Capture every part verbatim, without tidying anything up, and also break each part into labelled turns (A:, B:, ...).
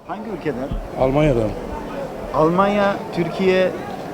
A: Hangi ülkeden?
B: Almanya'dan.
A: Almanya, Türkiye,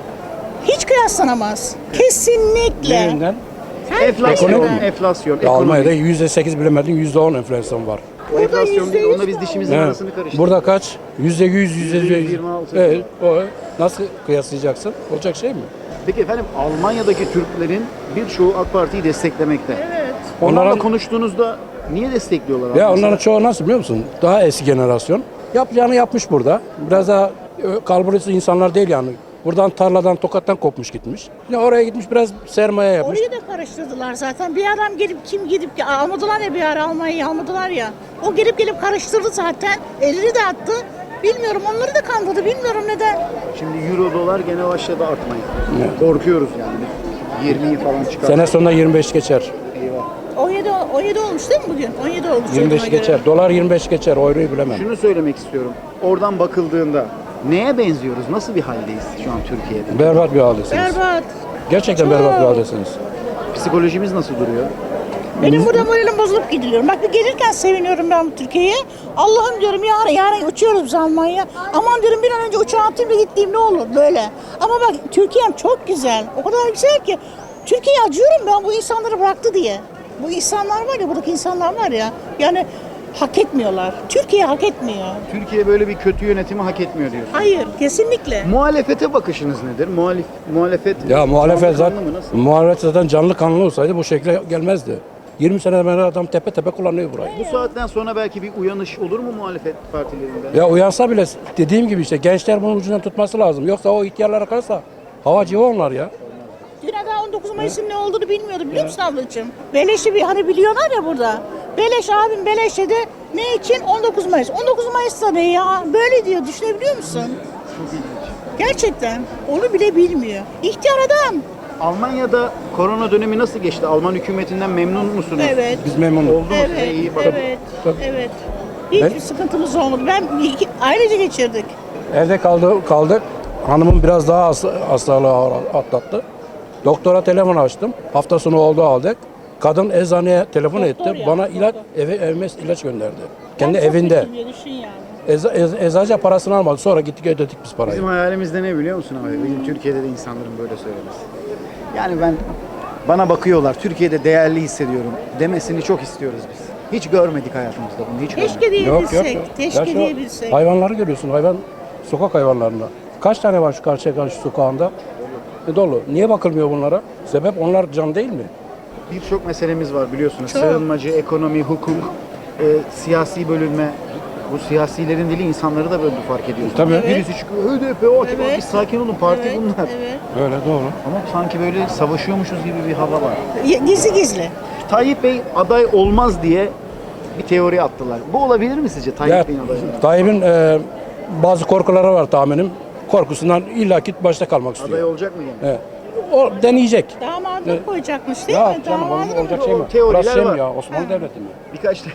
C: Hiç kıyaslanamaz. Kesinlikle.
B: Nerinden?
A: enflasyon,
B: Ekonomi.
A: enflasyon,
B: Ya Almanya'da
A: ekonomi.
B: yüzde sekiz bilemedin, yüzde on enflasyon var.
A: O enflasyon değil,
C: yüzde
A: onunla
C: yüz
A: biz dişimizin
B: Evet.
A: arasını karıştırdık.
B: Burada kaç? Yüzde yüz, yüzde
A: yüzde
B: yüz.
A: yirmi altı.
B: Evet, o nasıl kıyaslayacaksın? Olacak şey mi?
A: Peki efendim, Almanya'daki Türklerin birçoğu AK Parti'yi desteklemekte.
C: Evet.
A: Onlarla
B: Onların-
A: konuştuğunuzda niye destekliyorlar abi?
B: Ya
A: mesela?
B: onların çoğu nasıl biliyor musun? Daha eski jenerasyon. Yapacağını yapmış burada. Biraz daha ö, kalburüstü insanlar değil yani. Buradan tarladan, tokattan kopmuş gitmiş. Yine oraya gitmiş biraz sermaye yapmış.
C: Orayı da karıştırdılar zaten. Bir adam gelip kim gidip almadılar ya, bir ara Almanya'yı almadılar ya. O gelip gelip karıştırdı zaten. Elini de attı. Bilmiyorum, onları da kandırdı. Bilmiyorum neden.
A: Şimdi euro dolar gene başladı artmaya. Korkuyoruz yani. yirmiyi falan çıkar.
B: Sene sonunda yirmi beş geçer.
A: Eyvah.
C: on yedi, on yedi olmuş değil mi bugün? on yedi olmuş.
B: yirmi beş
C: duyduğuma
B: geçer.
C: göre.
B: Dolar yirmi beş geçer. Euroyu bilemem.
A: Şunu söylemek istiyorum. Oradan bakıldığında neye benziyoruz? Nasıl bir haldeyiz şu an Türkiye'de?
B: Berbat bir haldesiniz.
C: Berbat.
B: Gerçekten
C: Çok.
B: berbat bir haldesiniz.
A: Psikolojimiz nasıl duruyor?
C: Benim burada moralim bozulup gidiliyorum. Bak, bir gelirken seviniyorum ben bu Türkiye'ye. Allah'ım diyorum, yarın yarın uçuyoruz biz Almanya'ya. Aman diyorum, bir an önce uçağa atayım da gittiğim ne olur böyle. Ama bak, Türkiye'm çok güzel. O kadar güzel ki. Türkiye'ye acıyorum ben, bu insanları bıraktı diye. Bu insanlar var ya, buradaki insanlar var ya. Yani hak etmiyorlar. Türkiye hak etmiyor.
A: Türkiye böyle bir kötü yönetimi hak etmiyor diyorsun.
C: Hayır, kesinlikle.
A: Muhalefete bakışınız nedir? Muhalif, muhalefet
B: Ya muhalefet
A: canlı
B: zaten,
A: mı, nasıl?
B: muhalefet zaten canlı kanlı olsaydı bu şekilde gelmezdi. yirmi sene beri adam tepe tepe kullanıyor burayı.
A: Bu saatten sonra belki bir uyanış olur mu muhalefet partilerinde?
B: Ya uyansa bile dediğim gibi işte gençler bunun ucundan tutması lazım. Yoksa o ihtiyarlara kalırsa hava civa onlar ya.
C: Dün daha on dokuz Mayıs'ın ne olduğunu bilmiyordum, biliyor musun ablacığım? Beleş'i bir hani biliyorlar ya burada. Beleş abim Beleş dedi. Ne için? on dokuz Mayıs. on dokuz Mayıs'ta ne ya? Böyle diyor, düşünebiliyor musun?
A: Çok ilginç.
C: Gerçekten onu bile bilmiyor. İhtiyar adam.
A: Almanya'da korona dönemi nasıl geçti? Alman hükümetinden memnun musunuz?
C: Evet.
B: Biz memnunuz.
A: Oldu mu size?
C: Evet,
A: İyi bakın.
C: evet,
B: Tabii.
C: evet. Hiçbir
B: Ben-
C: sıkıntımız olmadı. Ben iki, ailece geçirdik.
B: Evde kaldı, kaldık. Hanımım biraz daha has- hastalığı ağır atlattı. Doktora telefon açtım. Hafta sonu oldu aldık. Kadın eczaneye telefon
C: Doktor
B: etti.
C: ya,
B: Bana
C: doktor.
B: ilaç, eve, evime ilaç gönderdi. Kendi
C: Ben çok
B: evinde.
C: kötüyüm ya, düşün yani.
B: Eza, ez, eczacı parasını almadı. Sonra gittik ödedik biz parayı.
A: Bizim hayalimizde ne biliyor musun abi? Bizim Türkiye'de de insanların böyle söylemesi. Yani ben, bana bakıyorlar, Türkiye'de değerli hissediyorum demesini çok istiyoruz biz. Hiç görmedik hayatımızda bunu, hiç görmedik.
C: Keşke
B: Yok
C: diyebilsek.
B: yok. yok.
C: Keşke
B: Ya şu
C: diyebilsek.
B: hayvanları görüyorsun. Hayvan sokak hayvanlarında. Kaç tane var şu karşıya karşı sokağında? E, dolu. Niye bakılmıyor bunlara? Sebep onlar can değil mi?
A: Birçok meselemiz var biliyorsunuz.
C: Çok.
A: Sığınmacı, ekonomi, hukuk, e, siyasi bölünme. Bu siyasilerin dili insanları da böyle fark ediyorsunuz.
B: Tabii. Evet.
A: Birisi çıkıyor, H D P, o
C: Evet.
A: bir sakin olun, parti
C: Evet,
A: bunlar.
C: evet.
B: Öyle doğru.
A: Ama sanki böyle savaşıyormuşuz gibi bir hava var.
C: Ya, gizli gizli.
A: Tayyip Bey aday olmaz diye bir teori attılar. Bu olabilir mi sizce Tayyip
B: Ya,
A: Bey'in adayı olması?
B: Tayyip'in e, bazı korkuları var tahminim. Korkusundan illaki başta kalmak istiyor.
A: Aday olacak mı yani?
B: Evet. O deneyecek.
C: Damadını
B: Evet.
C: koyacakmış değil
B: Ya
C: mi?
B: canım
C: Damadını
B: olacak, olacak
A: o
B: şey mi?
A: teoriler
B: Burası şey mi
A: var.
B: ya? Osmanlı Devleti mi?
A: Birkaç da...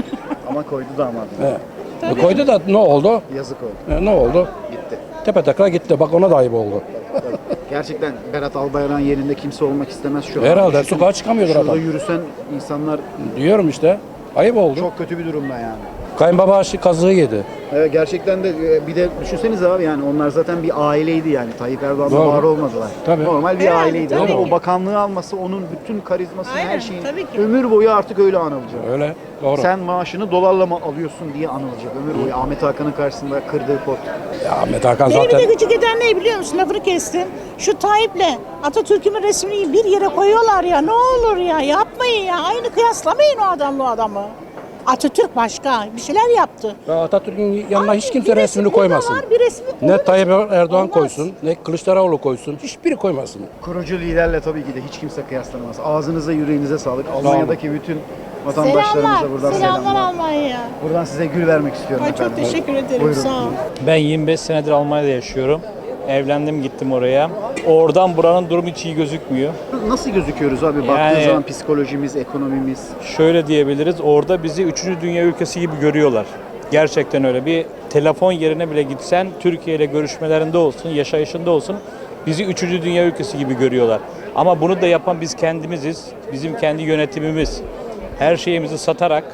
A: Ama koydu damadını.
B: Evet. E, koydu da ne oldu?
A: Yazık oldu.
B: E, ne oldu?
A: Gitti.
B: Tepe takla gitti. Bak ona da ayıp oldu.
A: Gerçekten Berat Albayrak'ın yerinde kimse olmak istemez şu an.
B: Herhalde,
A: Düşünsene,
B: sokağa çıkamıyordur
A: şurada
B: adam.
A: yürüsen insanlar
B: Diyorum işte. Ayıp oldu.
A: çok kötü bir durumda yani.
B: Kayınbaba aşı kazığı yedi.
A: Evet, gerçekten de e, bir de düşünsenize abi, yani onlar zaten bir aileydi yani. Tayyip Erdoğan'la
B: Doğru.
A: var olmadılar.
B: Tabii.
A: Normal bir
C: Herhalde,
A: aileydi
C: tabii
A: ama o
C: ki.
A: bakanlığı alması, onun bütün karizmasını,
C: Aynen,
A: her şeyi
C: tabii ki.
A: ömür boyu artık öyle anılacak.
B: Öyle. Doğru.
A: Sen maaşını dolarla mı alıyorsun diye anılacak ömür boyu. Ahmet Hakan'ın karşısında kırdığı pot.
B: Ya Ahmet Hakan
C: Beni bir
B: zaten
C: de gıcık eden ne biliyor musun? Lafını kestim. Şu Tayyip'le Atatürk'ün resmini bir yere koyuyorlar ya. Ne olur ya, yapmayın ya. Aynı kıyaslamayın o adamla o adamı. Atatürk başka bir şeyler yaptı.
B: ya Atatürk'ün yanına
C: Abi,
B: hiç kimse
C: bir resim
B: resmini
C: burada
B: koymasın.
C: var, bir resmi
B: Ne
C: burada.
B: Tayyip Erdoğan
C: Olmaz.
B: koysun, ne Kılıçdaroğlu koysun. Hiçbiri koymasın.
A: Kurucu liderle tabii ki de hiç kimse kıyaslanamaz. Ağzınıza yüreğinize sağlık. Almanya'daki bütün vatandaşlarımıza
C: Selamlar,
A: buradan
C: selamlar
A: selamlar.
C: Almanya.
A: Buradan size gül vermek istiyorum
C: Ay, çok
A: efendim.
C: teşekkür ederim,
A: Buyurun.
C: sağ ol.
D: Ben yirmi beş senedir Almanya'da yaşıyorum. Evlendim, gittim oraya. Oradan buranın durumu hiç iyi gözükmüyor.
A: Nasıl gözüküyoruz abi? Baktığın
D: Yani-
A: zaman psikolojimiz, ekonomimiz.
D: Şöyle diyebiliriz, orada bizi üçüncü dünya ülkesi gibi görüyorlar. Gerçekten öyle. Bir telefon yerine bile gitsen, Türkiye ile görüşmelerinde olsun, yaşayışında olsun, bizi üçüncü dünya ülkesi gibi görüyorlar. Ama bunu da yapan biz kendimiziz, bizim kendi yönetimimiz. Her şeyimizi satarak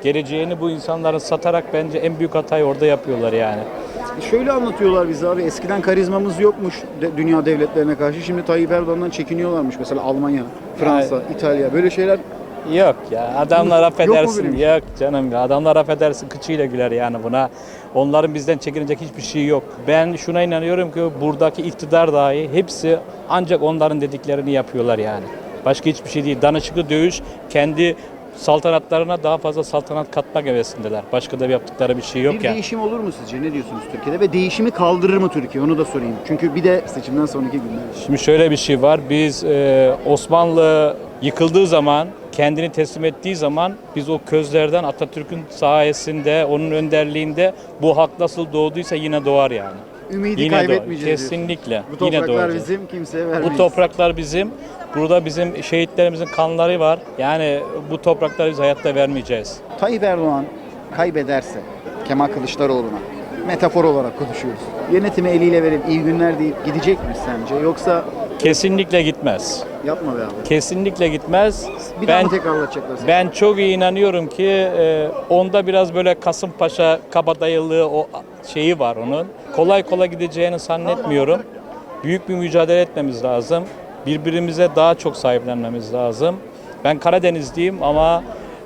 D: Geleceğini bu insanların satarak bence en büyük hatayı orada yapıyorlar yani.
A: Şöyle anlatıyorlar bize abi, eskiden karizmamız yokmuş de- dünya devletlerine karşı. Şimdi Tayyip Erdoğan'dan çekiniyorlarmış. Mesela Almanya, Fransa, İtalya, böyle şeyler.
D: Yok ya, adamlar
A: Yok mu
D: affedersin.
A: böyle bir
D: Yok,
A: şey?
D: canım ya, adamlar affedersin kıçıyla güler yani buna. Onların bizden çekinecek hiçbir şey yok. Ben şuna inanıyorum ki buradaki iktidar dahi hepsi ancak onların dediklerini yapıyorlar yani. Başka hiçbir şey değil. Danışıklı dövüş, kendi saltanatlarına daha fazla saltanat katmak hevesindeler. Başka da yaptıkları bir şey yok
A: Bir
D: yani.
A: değişim olur mu sizce? Ne diyorsunuz Türkiye'de? Ve değişimi kaldırır mı Türkiye? Onu da sorayım. Çünkü bir de seçimden sonraki günler.
D: Şimdi şöyle bir şey var. Biz e, Osmanlı yıkıldığı zaman, kendini teslim ettiği zaman biz o közlerden Atatürk'ün sayesinde, onun önderliğinde bu hak nasıl doğduysa yine doğar yani.
A: Ümidi
D: Yine doğar.
A: kaybetmeyeceğiz.
D: Kesinlikle.
A: diyorsunuz. Bu
D: Yine
A: topraklar
D: doğacağız.
A: bizim, kimseye vermeyiz.
D: Bu topraklar bizim. Burada bizim şehitlerimizin kanları var. Yani bu toprakları biz hayatta vermeyeceğiz.
A: Tayyip Erdoğan kaybederse Kemal Kılıçdaroğlu'na, metafor olarak konuşuyoruz, yönetimi eliyle verip iyi günler deyip gidecek mi sence? Yoksa
D: Kesinlikle gitmez.
A: yapma be abi.
D: Kesinlikle gitmez.
A: Bir daha
D: Ben
A: mı tekrarlatacaklar seni?
D: Ben çok iyi inanıyorum ki e, onda biraz böyle Kasımpaşa kabadayılığı o şeyi var onun. Kolay kolay gideceğini zannetmiyorum. Büyük bir mücadele etmemiz lazım. Birbirimize daha çok sahiplenmemiz lazım. Ben Karadenizliyim ama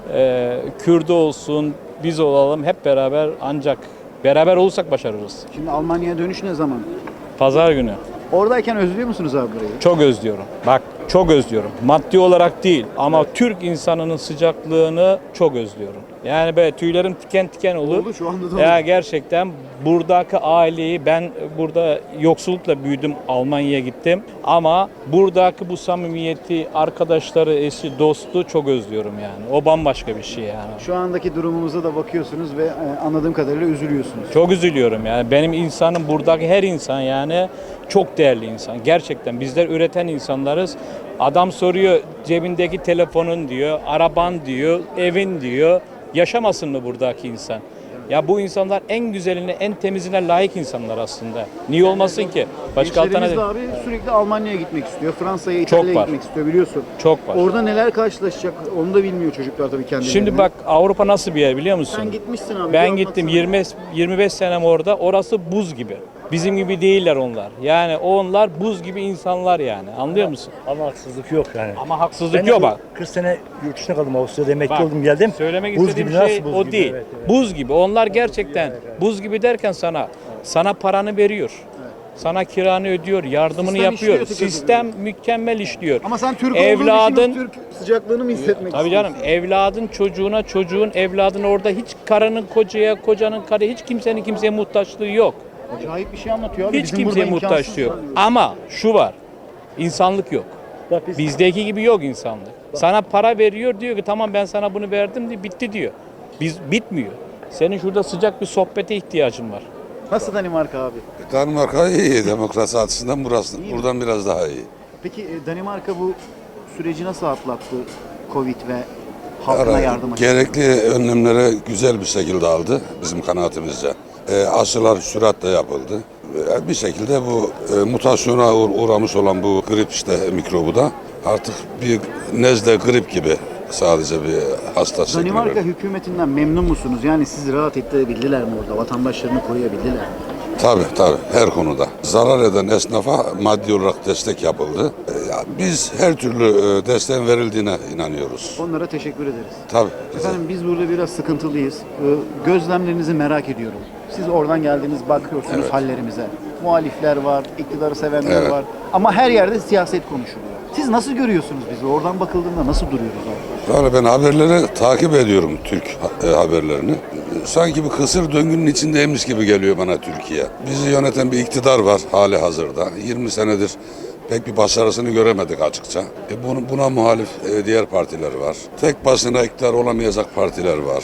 D: e, Kürdü olsun, biz olalım hep beraber ancak beraber olursak başarırız.
A: Şimdi Almanya'ya dönüş ne zaman?
D: Pazar günü.
A: Oradayken özlüyor musunuz abi burayı?
D: Çok özlüyorum. Bak çok özlüyorum. Maddi olarak değil ama Türk insanının sıcaklığını çok özlüyorum. Yani böyle tüylerim tiken tiken olur.
A: Oldu, şu anda da
D: Ya
A: oldu.
D: gerçekten buradaki aileyi ben burada yoksullukla büyüdüm. Almanya'ya gittim. Ama buradaki bu samimiyeti, arkadaşları, eşi, dostu çok özlüyorum yani. O bambaşka bir şey yani.
A: Şu andaki durumumuza da bakıyorsunuz ve e, anladığım kadarıyla üzülüyorsunuz.
D: Çok üzülüyorum yani. Benim insanım buradaki her insan yani çok değerli insan. Gerçekten bizler üreten insanlarız. Adam soruyor cebindeki telefonun diyor, araban diyor, evin diyor. Yaşamasın mı buradaki insan? Ya bu insanlar en güzeline, en temizine layık insanlar aslında. Niye olmasın ki? Başka
A: Gençlerimiz de
D: alternatif
A: abi sürekli Almanya'ya gitmek istiyor, Fransa'ya, İtalya'ya
D: var.
A: gitmek istiyor biliyorsun.
D: çok var.
A: Orada neler karşılaşacak onu da bilmiyor çocuklar tabii kendileri.
D: Şimdi bak Avrupa nasıl bir yer biliyor musun?
A: Sen gitmişsin abi.
D: Ben
A: bir
D: gittim
A: anlatsana.
D: yirmi yirmi beş senem orada. Orası buz gibi. Bizim gibi değiller onlar. Yani onlar buz gibi insanlar yani. Anlıyor musun?
E: Ama haksızlık yok yani.
D: Ama haksızlık
E: Ben
D: yok
E: de
D: bak.
E: kırk sene yurt dışına kaldım. Avusturya'da emekli
D: Bak,
E: oldum geldim.
D: Söylemek
E: Buz
D: istediğim
E: gibi,
D: şey
E: nasıl buz
D: o
E: gibi?
D: değil.
E: Evet, evet.
D: Buz gibi. Onlar gerçekten buz gibi derken sana sana paranı veriyor. Sana kiranı ödüyor, yardımını
A: Sistem
D: yapıyor.
A: işliyor tıkır
D: Sistem mükemmel işliyor.
A: Ama sen Türk
D: Evladın
A: olduğun için o Türk sıcaklığını mı hissetmek
D: Tabii canım,
A: istiyorsun?
D: evladın çocuğuna, çocuğun evladın orada hiç karının kocaya, kocanın karıya hiç kimsenin kimseye muhtaçlığı yok.
A: Acayip bir şey anlatıyor abi.
D: Hiç
A: Bizim
D: kimseye
A: burada
D: muhtaç
A: imkansız
D: yok.
A: yani.
D: Ama şu var. İnsanlık yok.
E: Bak biz
D: Bizdeki gibi yok insanlık. Sana para veriyor diyor ki tamam ben sana bunu verdim diye bitti diyor. Biz bitmiyor. Senin şurada sıcak bir sohbete ihtiyacın var.
A: Nasıl Danimarka abi?
F: Danimarka iyi, demokrasi açısından burası,
A: İyi mi?
F: buradan biraz daha iyi.
A: Peki e, Danimarka bu süreci nasıl atlattı? Covid ve halkına
F: Yani
A: yardım açısından.
F: gerekli önlemlere güzel bir şekilde aldı bizim kanaatimizce. E, aşılar süratle yapıldı. E, bir şekilde bu e, mutasyona uğ- uğramış olan bu grip işte mikrobu da artık bir nezle grip gibi sadece bir hasta şeklinde.
A: Danimarka hükümetinden memnun musunuz? Yani sizi rahat ettirebildiler mi orada? Vatandaşlarını koruyabildiler mi?
F: Tabii tabii her konuda. Zarar eden esnafa maddi olarak destek yapıldı. E, ya biz her türlü e, desteğin verildiğine inanıyoruz.
A: Onlara teşekkür ederiz.
F: Tabii.
A: Efendim biz burada biraz sıkıntılıyız. Ee, Gözlemlerinizi merak ediyorum. Siz oradan geldiniz, bakıyorsunuz
F: Evet.
A: hallerimize. Muhalifler var, iktidarı sevenler
F: Evet.
A: var. Ama her yerde siyaset konuşuluyor. Siz nasıl görüyorsunuz bizi? Oradan bakıldığında nasıl duruyoruz abi?
F: Yani ben haberleri takip ediyorum, Türk ha- e, haberlerini. Sanki bir kısır döngünün içindeymiş gibi geliyor bana Türkiye. Bizi yöneten bir iktidar var hali hazırda. yirmi senedir pek bir başarısını göremedik açıkça. E bunu, buna muhalif e, diğer partiler var. Tek başına iktidar olamayacak partiler var.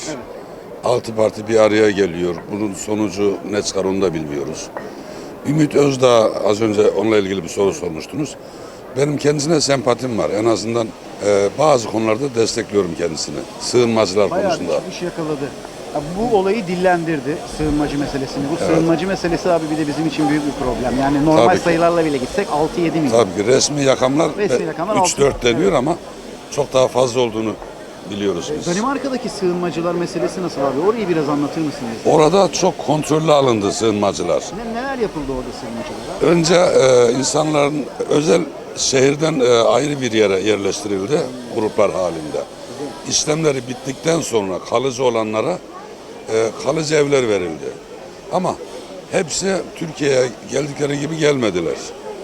F: Altı parti bir araya geliyor. Bunun sonucu ne çıkar onu da bilmiyoruz. Ümit Özdağ, az önce onunla ilgili bir soru sormuştunuz. Benim kendisine sempatim var. En azından e, bazı konularda destekliyorum kendisini. Sığınmacılar
A: Bayağı
F: konusunda.
A: bir iş yakaladı. Ya bu olayı dillendirdi, sığınmacı meselesini. Bu
F: Evet.
A: sığınmacı meselesi abi bir de bizim için büyük bir problem. Yani normal
F: Tabii ki.
A: sayılarla bile gitsek altı yedi milyon.
F: Tabii ki resmi rakamlar
A: Resmi rakamlar
F: üç
A: altı.
F: dört deniyor ama çok daha fazla olduğunu biliyoruz biz.
A: Danimarka'daki sığınmacılar meselesi nasıl abi? Orayı biraz anlatır mısınız?
F: Orada çok kontrollü alındı sığınmacılar.
A: Ne, neler yapıldı orada sığınmacılara?
F: Önce e, insanların özel şehirden e, ayrı bir yere yerleştirildi gruplar halinde. İşlemleri bittikten sonra kalıcı olanlara e, kalıcı evler verildi. Ama hepsi Türkiye'ye geldikleri gibi gelmediler.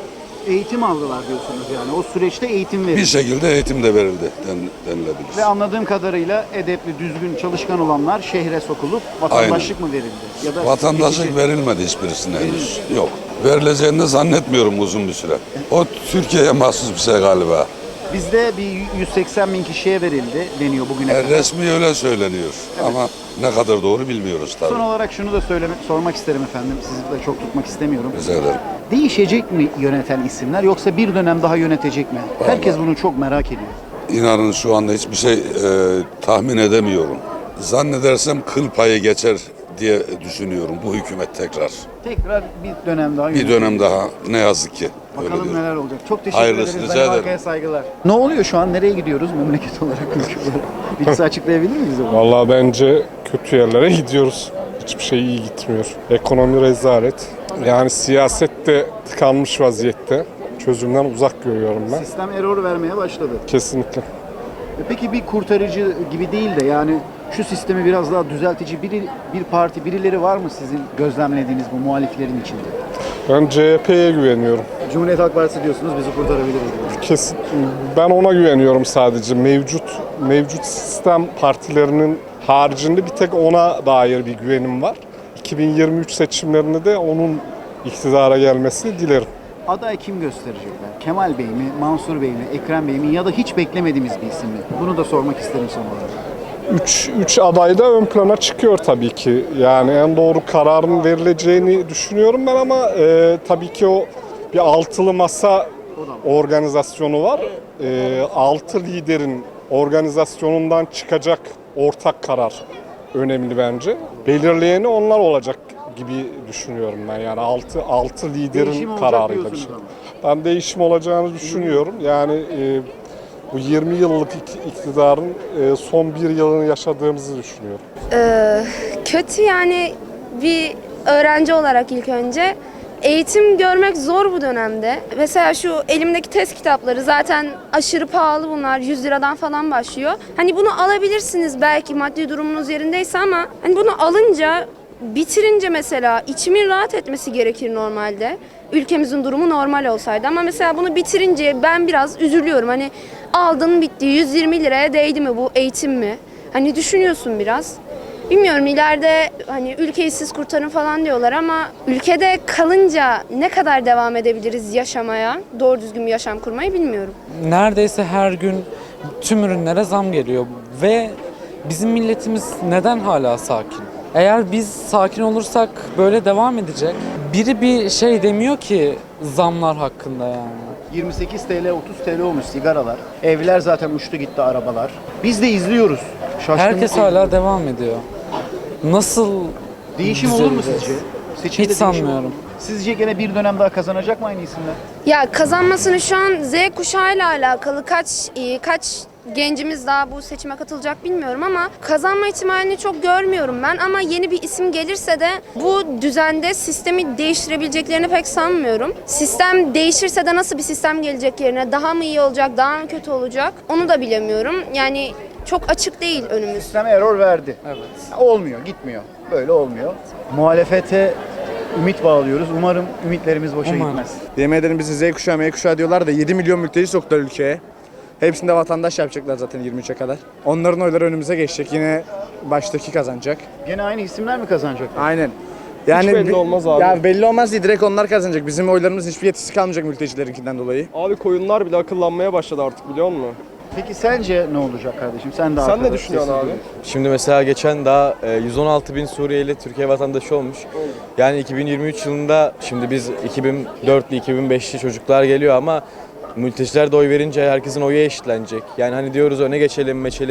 A: Eğitim aldılar diyorsunuz yani. O süreçte eğitim verildi.
F: Bir şekilde eğitim de verildi den, denilebilir.
A: Ve anladığım kadarıyla edepli, düzgün, çalışkan olanlar şehre sokulup vatandaşlık mı verildi? Ya da
F: Vatandaşlık
A: geçici-
F: verilmedi hiçbirisine henüz. Yok. Verileceğini de zannetmiyorum uzun bir süre. O Türkiye'ye mahsus bir şey galiba.
A: Bizde bir yüz seksen bin kişiye verildi deniyor bugüne
F: E,
A: kadar.
F: resmi öyle söyleniyor. Ama ne kadar doğru bilmiyoruz tabii.
A: Son olarak şunu da söylemek, sormak isterim efendim. Sizi de çok tutmak istemiyorum.
F: Rica ederim.
A: Değişecek mi yöneten isimler yoksa bir dönem daha yönetecek mi? Herkes bunu çok merak ediyor.
F: İnanın şu anda hiçbir şey e, tahmin edemiyorum. Zannedersem kıl payı geçer diye düşünüyorum bu hükümet tekrar.
A: Tekrar bir dönem daha
F: Bir
A: yönetecek.
F: dönem daha ne yazık ki. Öyle
A: Bakalım
F: diyorum.
A: neler olacak. Çok teşekkür
F: Hayırlısı,
A: ederiz.
F: rica ederim.
A: Danimarka'ya saygılar. Ne oluyor şu an? Nereye gidiyoruz memleket olarak, ülke olarak? Birisi açıklayabilir miyiz onu?
G: Vallahi bence kötü yerlere gidiyoruz. Hiçbir şey iyi gitmiyor. Ekonomi rezalet. Yani siyaset de tıkanmış vaziyette. Çözümden uzak görüyorum ben.
A: Sistem error vermeye başladı.
G: Kesinlikle.
A: E Peki bir kurtarıcı gibi değil de yani şu sistemi biraz daha düzeltici biri, bir parti, birileri var mı sizin gözlemlediğiniz bu muhaliflerin içinde?
G: Ben C H P'ye güveniyorum.
A: Cumhuriyet Halk Partisi diyorsunuz, bizi kurtarabilir diyorsunuz.
G: Kesin. Ben ona güveniyorum sadece. Mevcut mevcut sistem partilerinin haricinde bir tek ona dair bir güvenim var. iki bin yirmi üç seçimlerinde de onun iktidara gelmesini dilerim.
A: Aday kim gösterecekler? Kemal Bey mi, Mansur Bey mi, Ekrem Bey mi ya da hiç beklemediğimiz bir isim mi? Bunu da sormak isterim son olarak.
G: Üç, üç aday da ön plana çıkıyor tabii ki. Yani en doğru kararın verileceğini düşünüyorum ben ama e, tabii ki o bir altılı masa organizasyonu var. E, altı liderin organizasyonundan çıkacak ortak karar önemli bence. Belirleyeni onlar olacak gibi düşünüyorum ben. Yani altı altı liderin
A: Değişim olacak
G: kararıyla bir
A: diyorsunuz
G: şey.
A: ama.
G: Ben değişim olacağını düşünüyorum. Yani e, bu yirmi yıllık ik- iktidarın e, son bir yılını yaşadığımızı düşünüyorum.
H: Ee, kötü yani bir öğrenci olarak ilk önce eğitim görmek zor bu dönemde. Mesela şu elimdeki test kitapları zaten aşırı pahalı bunlar. yüz liradan falan başlıyor. Hani bunu alabilirsiniz belki maddi durumunuz yerindeyse ama hani bunu alınca bitirince mesela içimin rahat etmesi gerekir normalde. Ülkemizin durumu normal olsaydı ama mesela bunu bitirince ben biraz üzülüyorum. Hani aldın bitti yüz yirmi liraya değdi mi bu eğitim mi? Hani düşünüyorsun biraz. Bilmiyorum ileride hani ülkeyi siz kurtarın falan diyorlar ama ülkede kalınca ne kadar devam edebiliriz yaşamaya, doğru düzgün bir yaşam kurmayı bilmiyorum.
I: Neredeyse her gün tüm ürünlere zam geliyor ve bizim milletimiz neden hala sakin? Eğer biz sakin olursak böyle devam edecek. Biri bir şey demiyor ki zamlar hakkında yani.
A: yirmi sekiz TL, otuz TL olmuş sigaralar. Evler zaten uçtu gitti, arabalar. Biz de izliyoruz. Şaşkınlıkla
I: Herkes hala
A: izliyoruz.
I: devam ediyor. Nasıl
A: Değişim olur mu
I: düzeleceğiz?
A: sizce? Seçimde
I: Hiç
A: değişim olur mu?
I: sanmıyorum.
A: Sizce gene bir dönem daha kazanacak mı aynı isimler?
H: Ya kazanmasını şu an Z kuşağıyla alakalı kaç e, kaç gencimiz daha bu seçime katılacak bilmiyorum ama kazanma ihtimalini çok görmüyorum ben ama yeni bir isim gelirse de bu düzende sistemi değiştirebileceklerini pek sanmıyorum. Sistem değişirse de nasıl bir sistem gelecek yerine daha mı iyi olacak, daha mı kötü olacak onu da bilemiyorum. Yani çok açık değil önümüz.
A: Sistem error verdi.
I: Evet.
A: Olmuyor, gitmiyor. Böyle olmuyor. Muhalefete ümit bağlıyoruz. Umarım ümitlerimiz boşa
I: Umarım.
A: gitmez.
J: Yemin ederim bizi Z kuşağı, M kuşağı diyorlar da yedi milyon mülteci soktular ülkeye. Hepsini de vatandaş yapacaklar zaten yirmi üçe kadar. Onların oyları önümüze geçecek. Yine baştaki kazanacak.
A: Gene aynı isimler mi kazanacak?
J: Aynen. Yani
E: belli olmaz abi.
J: Ya belli olmaz değil. Direkt onlar kazanacak. Bizim oylarımız hiçbir yetkisi kalmayacak mültecilerinkinden dolayı.
E: Abi koyunlar bile akıllanmaya başladı artık biliyor musun?
A: Peki sence ne olacak kardeşim? Sen de
E: Sen
A: arkada
E: ne düşünüyorsun
A: sessiz
E: abi?
A: duruyorsun.
K: Şimdi mesela geçen daha e, yüz on altı bin Suriyeli Türkiye vatandaşı olmuş. Yani iki bin yirmi üç yılında şimdi biz iki bin dörtlü iki bin beşli çocuklar geliyor ama mülteciler de oy verince herkesin oyu eşitlenecek. Yani hani diyoruz öne geçelim, meçelim.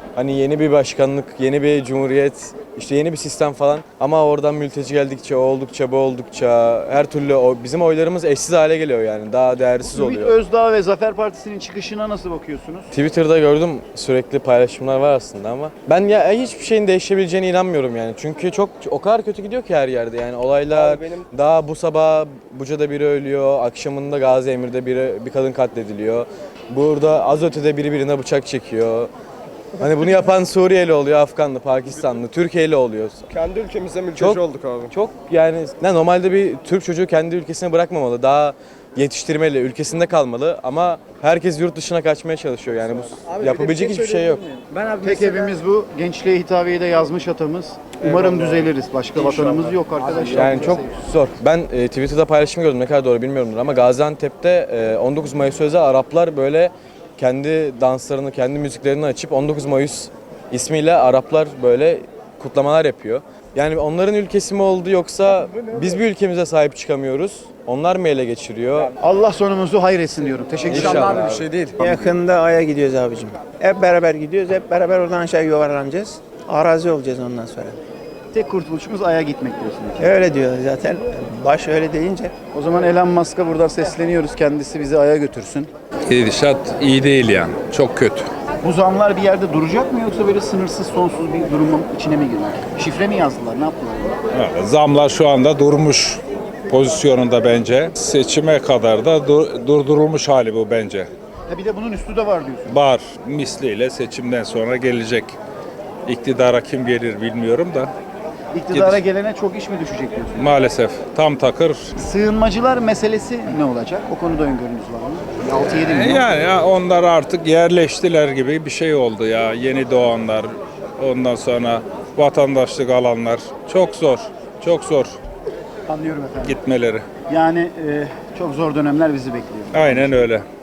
K: Hani yeni bir başkanlık, yeni bir cumhuriyet, işte yeni bir sistem falan. Ama oradan mülteci geldikçe, o oldukça, bu oldukça her türlü o, bizim oylarımız eşsiz hale geliyor yani. Daha değersiz
A: Ümit
K: oluyor.
A: Özdağ ve Zafer Partisi'nin çıkışına nasıl bakıyorsunuz?
K: Twitter'da gördüm, sürekli paylaşımlar var aslında ama ben ya hiçbir şeyin değişebileceğine inanmıyorum yani. Çünkü çok o kadar kötü gidiyor ki her yerde yani olaylar.
E: Abi benim-
K: Daha bu sabah Buca'da biri ölüyor, akşamında Gazi Emir'de biri bir kadın katlediliyor. Burada az ötede biri birine bıçak çekiyor. Hani bunu yapan Suriyeli oluyor, Afganlı, Pakistanlı, Türkiye'li oluyor.
E: Kendi ülkemizde mülteci
K: Çok-
E: olduk abi.
K: Çok yani ne normalde bir Türk çocuğu kendi ülkesine bırakmamalı. Daha yetiştirmeli, ülkesinde kalmalı ama herkes yurt dışına kaçmaya çalışıyor. Yani bu yapabilecek hiçbir şey yok.
J: Ben abi
A: Tek evimiz bu. Gençliğe hitabiyede yazmış atamız. Umarım düzeliriz. Başka vatanımız yok arkadaşlar.
K: Yani çok zor. Ben e, Twitter'da paylaşım gördüm, ne kadar doğru bilmiyorumdur ama Gaziantep'te e, on dokuz Mayıs özel Araplar böyle kendi danslarını, kendi müziklerini açıp on dokuz Mayıs ismiyle Araplar böyle kutlamalar yapıyor. Yani onların ülkesi mi oldu yoksa biz bir ülkemize sahip çıkamıyoruz? Onlar mı ele geçiriyor?
A: Allah sonumuzu hayretsin diyorum. Teşekkür ederim.
K: İnşallah.
J: bir şey değil.
L: Yakında Ay'a gidiyoruz abicim. Hep beraber gidiyoruz, hep beraber oradan aşağı yuvarlanacağız. Arazi olacağız ondan sonra.
A: Tek kurtuluşumuz Ay'a gitmek diyorsunuz.
L: Öyle diyor zaten. Baş öyle deyince.
A: O zaman Elon Musk'a buradan sesleniyoruz. Kendisi bizi Ay'a götürsün.
M: Gidişat iyi değil yani. Çok kötü.
A: Bu zamlar bir yerde duracak mı yoksa böyle sınırsız sonsuz bir durumun içine mi girmek? Şifre mi yazdılar? Ne yaptılar?
M: Evet, zamlar şu anda durmuş pozisyonunda bence. Seçime kadar da dur- durdurulmuş hali bu bence.
A: Ha bir de bunun üstü de var diyorsun.
M: Var misliyle seçimden sonra gelecek. İktidara kim gelir bilmiyorum da
A: İktidara gelene çok iş mi düşecek diyorsun?
M: maalesef tam takır.
A: Sığınmacılar meselesi ne olacak? O konuda öngörünüz var mı? altı yedi milyon.
M: Yani ya onlar artık yerleştiler gibi bir şey oldu ya. Yeni doğanlar, ondan sonra vatandaşlık alanlar. Çok zor, çok zor
A: Anlıyorum efendim.
M: gitmeleri.
A: Yani e, çok zor dönemler bizi bekliyor.
M: Aynen öyle.